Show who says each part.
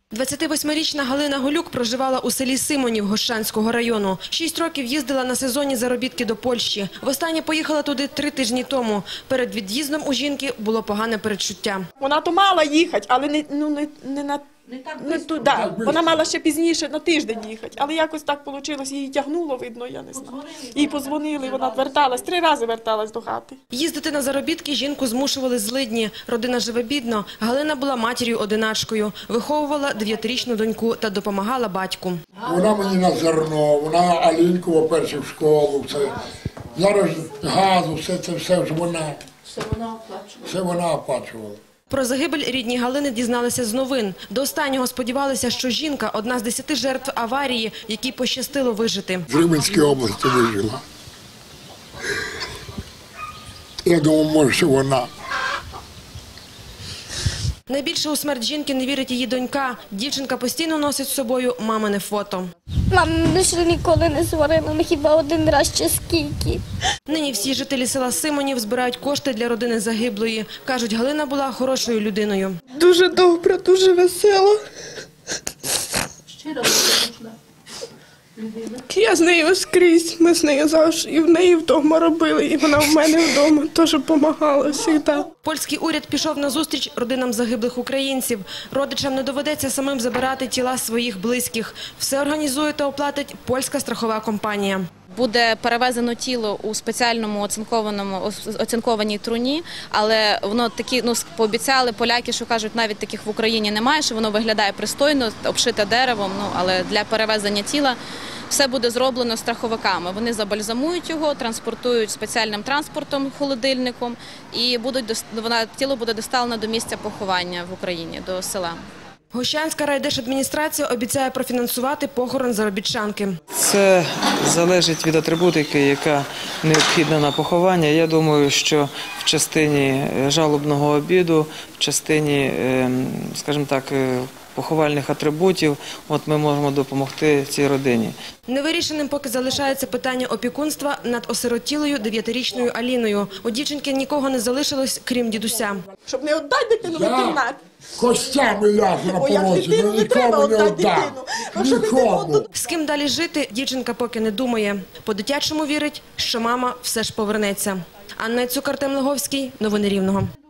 Speaker 1: 28-річна Галина Голюк проживала у селі Симонів Гощанського району. 6 років їздила на сезонні заробітки до Польщі. Востаннє поїхала туди 3 тижні тому. Перед від'їздом у жінки було погане передчуття.
Speaker 2: Вона то мала їхати, але не туди. Вона мала ще пізніше, на тиждень їхати. Але якось так вийшло, її тягнуло, видно, я не знаю. Їй подзвонили, вона верталась, 3 рази верталась до хати.
Speaker 1: Їздити на заробітки жінку змушували злидні. Родина живе бідно. Галина була матір'ю-одиначкою. Виховувала 9-річну доньку та допомагала батьку.
Speaker 3: Вона мені на зерно, вона Алінку, по-перше, в школу, все. Зараз газу, все ж вона. Все вона оплачувала.
Speaker 1: Про загибель рідні Галини дізналися з новин. До останнього сподівалися, що жінка – одна з 10 жертв аварії, якій пощастило вижити.
Speaker 3: В Рівненській області вижила. Я думаю, може, що вона.
Speaker 1: Найбільше у смерть жінки не вірить її донька. Дівчинка постійно носить з собою мамине фото.
Speaker 4: Мама ще ніколи не сварила, не хіба один раз чи скільки.
Speaker 1: Нині всі жителі села Симонів збирають кошти для родини загиблої. Кажуть, Галина була хорошою людиною.
Speaker 2: Дуже добра, дуже весела. Я з нею скрізь, ми з нею завжди і в неї вдома робили, і вона в мене вдома теж допомагала завжди.
Speaker 1: Польський уряд пішов на зустріч родинам загиблих українців. Родичам не доведеться самим забирати тіла своїх близьких. Все організує та оплатить польська страхова компанія.
Speaker 5: Буде перевезено тіло у спеціальному оцинкованій труні, але воно такі, пообіцяли поляки, що кажуть, навіть таких в Україні немає, що воно виглядає пристойно, обшите деревом, але для перевезення тіла все буде зроблено страховиками. Вони забальзамують його, транспортують спеціальним транспортом, холодильником, і тіло буде доставлено до місця поховання в Україні, до села.
Speaker 1: Гощанська райдержадміністрація обіцяє профінансувати похорон заробітчанки.
Speaker 6: Це залежить від атрибутики, яка необхідна на поховання. Я думаю, що в частині жалобного обіду, в частині, скажімо так, поховальних атрибутів, ми можемо допомогти цій родині.
Speaker 1: Невирішеним поки залишається питання опікунства над осиротілою 9-річною Аліною. У дівчинки нікого не залишилось, крім дідуся.
Speaker 2: Щоб не віддати дитину в інтернат.
Speaker 3: Костями ляжу на порозі, нікому не віддам. Нікому.
Speaker 1: З ким далі жити, дівчинка поки не думає. По-дитячому вірить, що мама все ж повернеться. Анна Цюк, Артем Логовський. Новини Рівного.